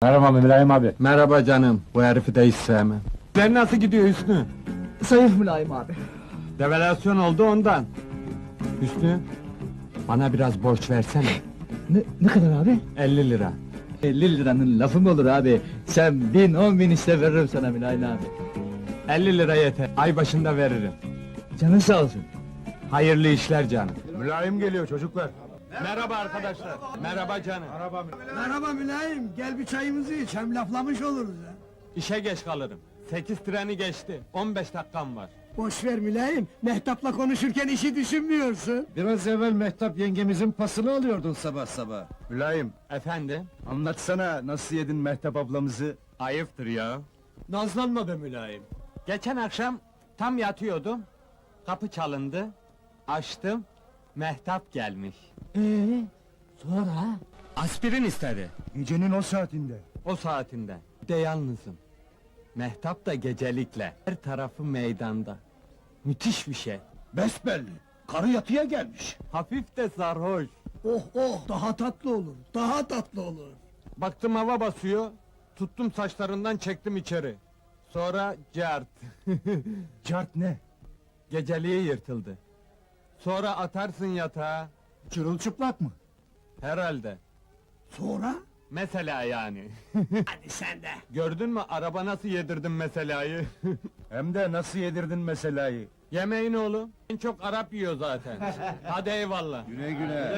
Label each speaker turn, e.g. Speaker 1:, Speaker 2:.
Speaker 1: Merhaba Mülayim abi.
Speaker 2: Merhaba canım, bu herifi de hiç sevmem. Sen nasıl gidiyor Hüsnü?
Speaker 3: Zayıf Mülayim abi.
Speaker 2: Devalüasyon oldu ondan. Hüsnü, bana biraz borç versene.
Speaker 3: Ne kadar abi?
Speaker 2: 50 lira.
Speaker 3: 50 liranın lafı mı olur abi? Sen 1000, 10.000 iste veririm sana Mülayim abi.
Speaker 2: 50 lira yeter, ay başında veririm.
Speaker 3: Canın sağ olsun.
Speaker 2: Hayırlı işler canım.
Speaker 1: Mülayim geliyor çocuklar.
Speaker 2: Merhaba arkadaşlar. Merhaba canım.
Speaker 4: Merhaba Mülayim, gel bir çayımızı iç, hem laflamış oluruz ha.
Speaker 2: İşe geç kalırım. 8 treni geçti, 15 dakikam var.
Speaker 4: Boş ver Mülayim, Mehtap'la konuşurken işi düşünmüyorsun.
Speaker 1: Biraz evvel Mehtap yengemizin pasını alıyordun sabah sabah. Mülayim,
Speaker 2: Efendim?
Speaker 1: anlatsana nasıl yedin Mehtap ablamızı?
Speaker 2: Ayıptır ya.
Speaker 4: Nazlanma be Mülayim.
Speaker 2: Geçen akşam tam yatıyordum. Kapı çalındı. Açtım. Mehtap gelmiş.
Speaker 3: Sonra?
Speaker 2: Aspirin istedi.
Speaker 1: Gecenin o saatinde.
Speaker 2: O saatinde. De yalnızım. Mehtap da gecelikle. Her tarafı meydanda. Müthiş bir şey.
Speaker 1: Besbelli, karı yatıya gelmiş.
Speaker 2: Hafif de sarhoş.
Speaker 4: Oh oh, daha tatlı olur, daha tatlı olur.
Speaker 2: Baktım hava basıyor. Tuttum saçlarından çektim içeri. Sonra cart.
Speaker 1: Cart ne?
Speaker 2: Geceliği yırtıldı. Sonra atarsın yatağa.
Speaker 1: Çırılçıplak mı?
Speaker 2: Herhalde.
Speaker 4: Sonra?
Speaker 2: Mesela yani.
Speaker 4: Hadi sen de.
Speaker 2: Gördün mü araba nasıl yedirdim meselayı?
Speaker 1: Hem de nasıl yedirdin meselayı?
Speaker 2: Yemeğin oğlum. En çok Arap yiyor zaten. Hadi eyvallah.
Speaker 1: Güle güle.